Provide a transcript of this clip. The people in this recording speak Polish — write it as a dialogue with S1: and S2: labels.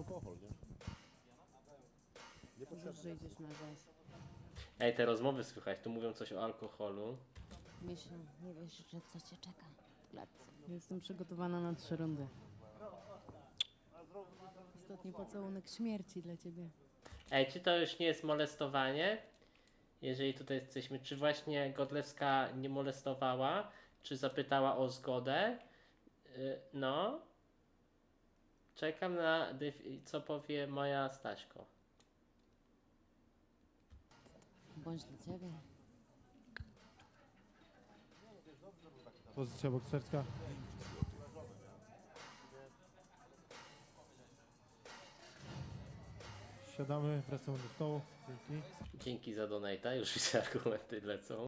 S1: alkohol, nie?
S2: Już, że idziesz na gaz.
S3: Ej, te rozmowy słychać, tu mówią coś o alkoholu.
S2: Myślę, nie wiesz, że co cię czeka w klatce. Jestem przygotowana na 3 rundy. Ostatni pocałunek śmierci dla ciebie.
S3: Ej, czy to już nie jest molestowanie? Jeżeli tutaj jesteśmy, czy właśnie Godlewska nie molestowała? Czy zapytała o zgodę? No. Czekam na co powie moja Staśko.
S2: Bądź dla ciebie.
S4: Pozycja bokserska. Siadamy, wracamy do stołu. Dzięki.
S3: Dzięki za donata, już widzę argumenty lecą.